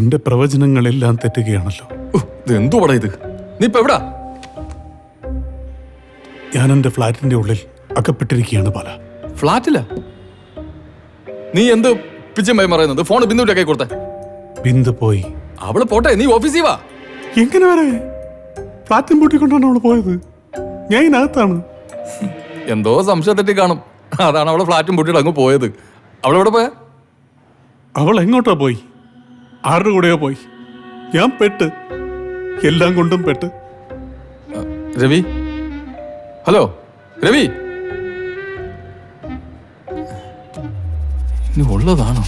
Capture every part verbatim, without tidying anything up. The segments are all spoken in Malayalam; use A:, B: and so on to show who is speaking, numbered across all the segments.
A: എന്റെ പ്രവചനങ്ങളെല്ലാം തെറ്റുകയാണല്ലോ.
B: എന്തുവാടാ ഇത്? നീ ഇപ്പൊ എവിടാ?
A: ഞാൻ എന്റെ ഫ്ലാറ്റിന്റെ ഉള്ളിൽ അകപ്പെട്ടിരിക്കുകയാണ് ബാല.
B: ഫ്ലാറ്റില്ല? നീ എന്ത് പിച്ചമായി പറയുന്നത്? ഫോൺ ബിന്ദുവിന്റെ കൈ കൊടുത്തേ.
A: ബിന്ദു പോയി.
B: അവള് പോട്ടെ, നീ ഓഫീസിൽ വാ.
A: എങ്ങനെ വരെ? ഫ്ലാറ്റും പൂട്ടിക്കൊണ്ടാണ് അവള് പോയത്. ഞാൻ ഇതിനകത്താണ്.
B: എന്തോ സംശയം തെറ്റി കാണും. അതാണ് അവളെ ഫ്ലാറ്റും പൂട്ടിയിട്ട് അങ്ങ് പോയത്. അവളെവിടെ പോയാ?
A: അവൾ എങ്ങോട്ടാ പോയി? ആരുടെ കൂടെയോ പോയി. ഞാൻ പെട്ട്, എല്ലാം കൊണ്ടും പെട്ട്.
B: രവി, ഹലോ രവി, ഇനി ഉള്ളതാണോ?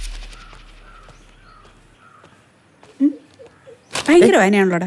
C: ഭയങ്കര വായനയാണല്ലോടാ.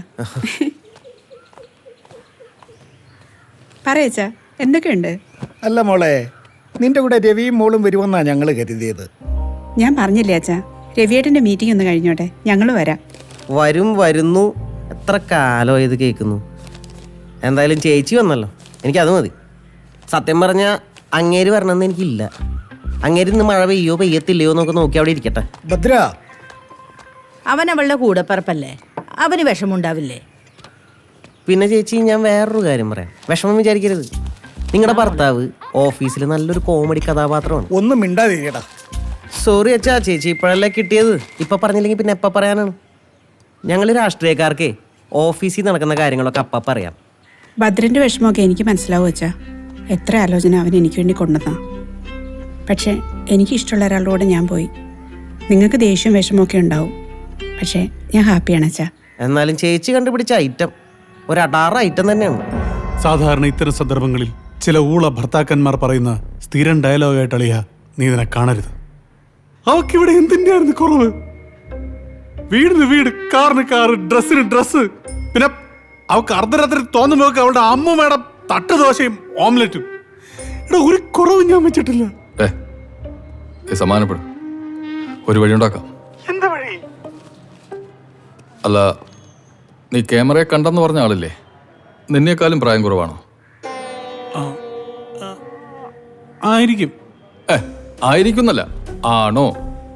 C: പറയച്ചാ, എന്തൊക്കെയുണ്ട്?
D: അല്ല മോളെ, നിന്റെ കൂടെ രവിയും മോളും വരുമെന്നാ ഞങ്ങൾ കരുതിയത്.
C: ഞാൻ പറഞ്ഞില്ലേ അച്ഛാ, രവിയേട്ടന്റെ മീറ്റിംഗ് ഒന്ന് കഴിഞ്ഞോട്ടെ, ഞങ്ങൾ വരാം.
E: വരും വരുന്നു, എത്ര കാലം ഇത് കേൾക്കുന്നു. എന്തായാലും ചേച്ചി വന്നല്ലോ, എനിക്കത് മതി. സത്യം പറഞ്ഞാൽ അങ്ങേര് വരണമെന്ന് എനിക്കില്ല. അങ്ങേര് ഇന്ന് മഴ പെയ്യോ പെയ്യത്തില്ലയോ എന്നൊക്കെ നോക്കി അവിടെ ഇരിക്കട്ടെ.
D: ഭദ്ര,
F: അവൻ അവളുടെ കൂടപ്പറപ്പല്ലേ, അവന് വിഷമുണ്ടാവില്ലേ?
E: പിന്നെ ചേച്ചി, ഞാൻ വേറൊരു കാര്യം പറയാം, വിഷമം വിചാരിക്കരുത്. നിങ്ങളുടെ ഭർത്താവ് ഓഫീസിൽ നല്ലൊരു കോമഡി കഥാപാത്രമാണ്.
D: ഒന്നും മിണ്ടാതിരിക്കടാ.
E: സോറി അച്ഛാ, ചേച്ചി ഇപ്പോഴല്ലേ കിട്ടിയത്. ഇപ്പം പറഞ്ഞില്ലെങ്കിൽ പിന്നെ എപ്പം പറയാനാണ്? ഞങ്ങൾ രാഷ്ട്രീയക്കാർക്ക് ഓഫീസിൽ നടക്കുന്ന കാര്യങ്ങളൊക്കെ അപ്പം പറയാം.
C: ഭദ്രന്റെ വിഷമമൊക്കെ എനിക്ക് മനസ്സിലാവും അച്ഛാ. എത്ര ആലോചന അവൻ എനിക്ക് വേണ്ടി കൊണ്ടുവന്നാ. പക്ഷേ എനിക്ക് ഇഷ്ടമുള്ള ഒരാളുടെ കൂടെ ഞാൻ പോയി. നിങ്ങൾക്ക് ദേഷ്യവും വിഷമമൊക്കെ ഉണ്ടാവും, പക്ഷേ ഞാൻ ഹാപ്പിയാണ് അച്ഛാ.
E: എന്നാലും ചേച്ചി കണ്ടുപിടിച്ച ഐറ്റം ഒരു അടാറ് ഐറ്റം തന്നെയാണ്.
A: സാധാരണ ഇത്തരം സന്ദർഭങ്ങളിൽ ചില ഊള ഭർത്താക്കന്മാർ പറയുന്ന സ്ഥിരം ഡയലോഗായിട്ട് അളിയ, നീ ഇതിനെ കാണരുത്. അവക്കിവിടെ എന്തിൻ്റെയായിരുന്നു കുറവ്? വീടിന് വീട്, കാറിന് കാറ്, ഡ്രസ്സിന് ഡ്രസ്സ്. പിന്നെ അവക്ക് അർദ്ധരാത്രി തോന്നുമ്പോ അവളുടെ അമ്മൂമ്മയുടെ തട്ട് ദോശയും ഓംലെറ്റും. ഇവിടെ ഒരു കുറവും ഞാൻ വെച്ചിട്ടില്ല.
B: സമാനപ്പെടും, ഒരു വഴി ഉണ്ടാക്കാം.
A: എന്താ വഴി?
B: അല്ല, നീ ക്യാമറയെ കണ്ടെന്ന് പറഞ്ഞ ആളില്ലേ, നിന്നേക്കാളും പ്രായം കുറവാണോ?
A: ആയിരിക്കും.
B: ഏ ആയിരിക്കുന്നല്ല, ആണോ?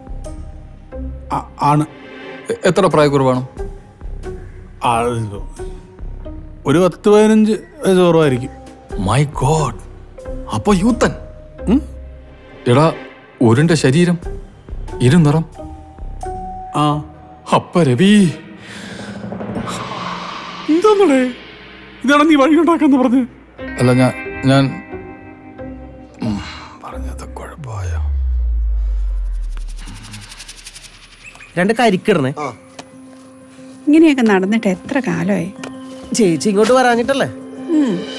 A: ആണ്.
B: എത്ര പ്രായക്കുറവാണോ?
A: ഒരു പത്ത് പതിനഞ്ച് വയസ്സ് കുറവായിരിക്കും.
B: മൈ ഗോഡ്, അപ്പൊ യൂത്തൻ. എടാ, ഒരുണ്ട ശരീരം, ഇരുനിറം.
A: ആ
B: അപ്പ രവി,
A: എന്താണേ ഇതാണ് നീ വഴി ഉണ്ടാക്കാന്ന് പറഞ്ഞ്?
B: അല്ല, ഞാൻ ഞാൻ പറഞ്ഞത് കുഴപ്പമായ.
E: രണ്ട് കരിക്കിടണേ.
C: ഇങ്ങനെയൊക്കെ നടന്നിട്ട് എത്ര കാലമായി.
E: ചേച്ചി ഇങ്ങോട്ട് വരാഞ്ഞിട്ടല്ലേ?